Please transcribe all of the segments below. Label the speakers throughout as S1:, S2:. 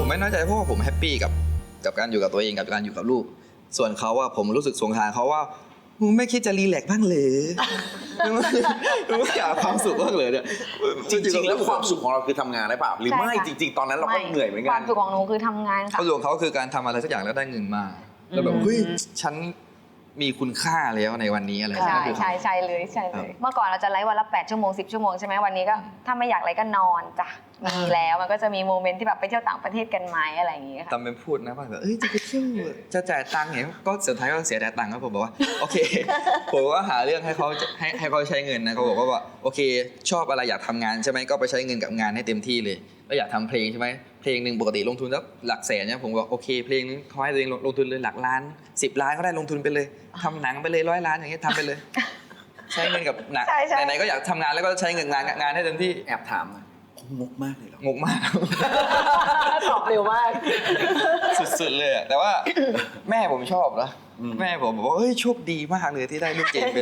S1: ไม่น้อยใจเพราะว่าผมแฮปปี้กับการอยู่กับตัวเองกับการอยู่กับลูกส่วนเขาผมรู้สึกสงสารเขาว่ามึงไม่คิดจะรีแลกซ์บ้างเหรอมึงไม่อยากความสุขบ้างเหรอเนี่ย
S2: จริงๆแล้วความสุขของเราคือทำงานได้เปล่าหรือไม่จริงๆตอนนั้นเราก็เหนื่อยเหมือนกัน
S3: ความสุขของหนูคือทำงานค่ะ
S1: ความสุขของเขาคือการทำอะไรสักอย่างแล้วได้เงินมาแล้วแบบเฮ้ยฉันมีคุณค่าแล้วในวันนี้อะไร
S3: ใช่เลยเมื่อก่อนเราจะไลฟ์วันละ8 ชั่วโมง10 ชั่วโมงใช่ไหมวันนี้ก็ถ้าไม่อยากไลฟ์ก็นอนจ้ะมีแล้วมันก็จะมีโมเมนต์ที่แบบไปเที่ยวต่างประเทศกันไหมอะไรอย่างเงี้ยค่ะ
S1: ทำเป็นพูดนะว่าแบบจะไปเที่ยวจะจ่ายตังค์เนี่ยก็สุดท้ายก็เสียแต่ตังค์ครับผมบอกว่าโอเคผมก็หาเรื่องให้เขาใช้เงินนะเขาบอกว่าโอเคชอบอะไรอยากทำงานใช่ไหมก็ไปใช้เงินกับงานให้เต็มที่เลยแล้วอยากทำเพลงใช่ไหมเพลงหนึ่งปกติลงทุนแล้วหลักแสนเนี่ยผมบอกโอเคเพลงนึงเขาให้ตัวเองลงทุนเลยหลักล้าน10 ล้านก็ได้ลงทุนไปเลยทำหนังไปเลย100 ล้านอย่างเงี้ยทำไปเลยใช้เงินกับหนังไหนๆก็อยากทำงานแล้วก็ใช้เงินงานให้เต็มที่
S2: แอบถามงกมากเลยหรอง
S1: กมาก
S3: ตอบเร็วมาก
S1: สุดๆเลยแต่ว่าแม่ผมชอบนะแม่ผมบอกว่าเฮ้ยโชคดีมากเลยที่ได้ลูกเจนเป็น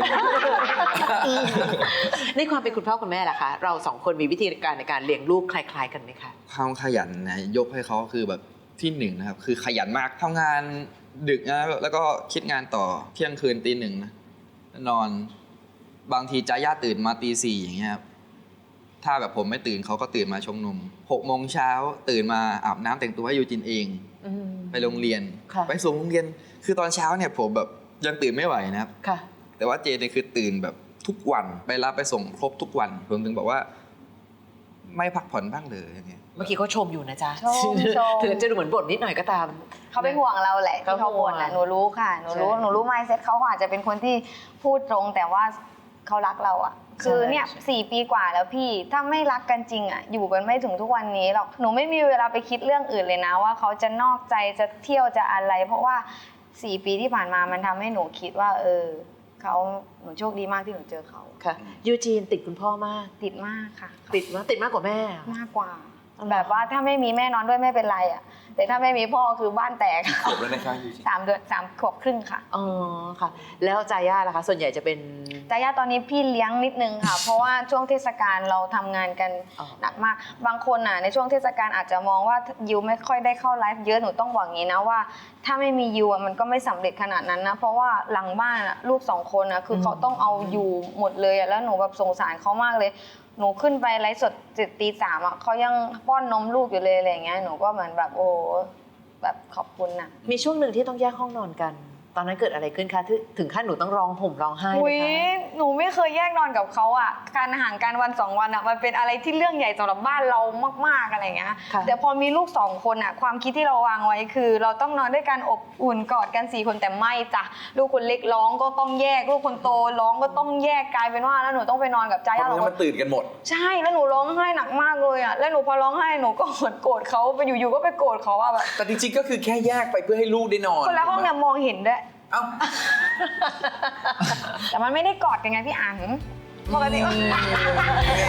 S4: ในความเป็นคุณพ่อคุณแม่ล่ะคะเรา2 คนมีวิธีการในการเลี้ยงลูกคล้ายๆกันไหมคะ
S1: ความขยันนะยกให้เขาคือแบบที่1นะครับคือขยันมากทำงานดึกนะแล้วก็คิดงานต่อเที่ยงคืนตี 1นะนอนบางทีจ้าย่าตื่นมาตี 4อย่างเงี้ยครับถ้าแบบผมไม่ตื่นเขาก็ตื่นมาชงนม6 โมงเช้าตื่นมาอาบน้ำแต่งตัวให้ยูจินเองไปโรงเรียนไปส่งโรงเรียนคือตอนเช้าเนี่ยผมแบบยังตื่นไม่ไหวนะครับแต่ว่าเจนเนี่ยคือตื่นแบบทุกวันไปรับไปส่งครบทุกวันผมถึงบอกว่าไม่พักผ่อนบ้างเลยอย่างเงี้ย
S4: เมื่อกี้เขาชมอยู่นะจ๊ะ
S3: ชม
S4: ถึงจะดูเหมือนบ่นนิดหน่อยก็ตาม
S3: เขาเป็นห่วงเราแหละที่เขาบ่นหนูรู้ค่ะหนูรู้ mindset เขาอาจจะเป็นคนที่พูดตรงแต่ว่าเขารักเราคือเนี่ย4 ปีกว่าแล้วพี่ถ้าไม่รักกันจริงอยู่กันไม่ถึงทุกวันนี้หรอกหนูไม่มีเวลาไปคิดเรื่องอื่นเลยนะว่าเขาจะนอกใจจะเที่ยวจะอะไรเพราะว่า4 ปีที่ผ่านมามันทำให้หนูคิดว่าหนูโชคดีมากที่หนูเจอเขา
S4: ค่ะยูจีนติดคุณพ่อมาก
S3: ติดมากค่ะ
S4: ติดมากกว่าแม่
S3: มากกว่าแบบว่าถ้าไม่มีแม่นอนด้วยไม่เป็นไรแต่ถ้าไม่มีพ่อคือบ้านแตก
S2: จบแล้วนะคะ
S3: 3 ขวบครึ่งค่ะ
S4: อ๋อค่ะแล้วจาย่าล่ะคะส่วนใหญ่จะเป็น
S3: จาย่าตอนนี้พี่เลี้ยงนิดนึงค่ะเพราะว่าช่วงเทศกาลเราทำงานกันหนักมากบางคนในช่วงเทศกาลอาจจะมองว่ายิวไม่ค่อยได้เข้าไลฟ์เยอะหนูต้องบอกงี้นะว่าถ้าไม่มียิวมันก็ไม่สำเร็จขนาดนั้นนะเพราะว่าหลังบ้านลูก2 คนคือเขาต้องเอาอยู่หมดเลยแล้วหนูแบบสงสารเขามากเลยหนูขึ้นไปไลฟ์สดตี 3เขายังป้อนนมลูกอยู่เลยอะไรอย่างเงี้ยหนูก็เหมือนแบบโอ้แบบขอบคุณนะ
S4: มีช่วงหนึ่งที่ต้องแยกห้องนอนกันตอนนั้นเกิดอะไรขึ้นคะถึงขั้นหนูต้องร้องห่มร้องไห้
S3: เลยคะหนูไม่เคยแยกนอนกับเขาการห่างกันวัน2 วันมันเป็นอะไรที่เรื่องใหญ่สำหรับบ้านเรามากๆอะไรอย่างเงี้ยแต่พอมีลูก2 คนความคิดที่เราวางไว้คือเราต้องนอนด้วยกันอบอุ่นกอดกัน4 คนแต่ไม่จ้ะลูกคนเล็กร้องก็ต้องแยกลูกคนโตร้องก็ต้องแยกกลายเป็นว่าแล้วหนูต้องไปนอนกับจ้าย่า
S2: แล้วมันตื่นกันหมด
S3: ใช่แล้วหนูร้องไห้หนักมากเลยแล้วหนูพอร้องไห้หนูก็โกรธเขาไปอยู่ๆก็ไปโกรธเขาแบบ
S2: แต่จริงๆก็คือแค่แยกไปเพื่อให้ลูกได้นอน
S3: คนละห้องเนี่ยมองเห็นด้วยแต่มันไม่ได้กอดกันไงพี่อั๋นปกติ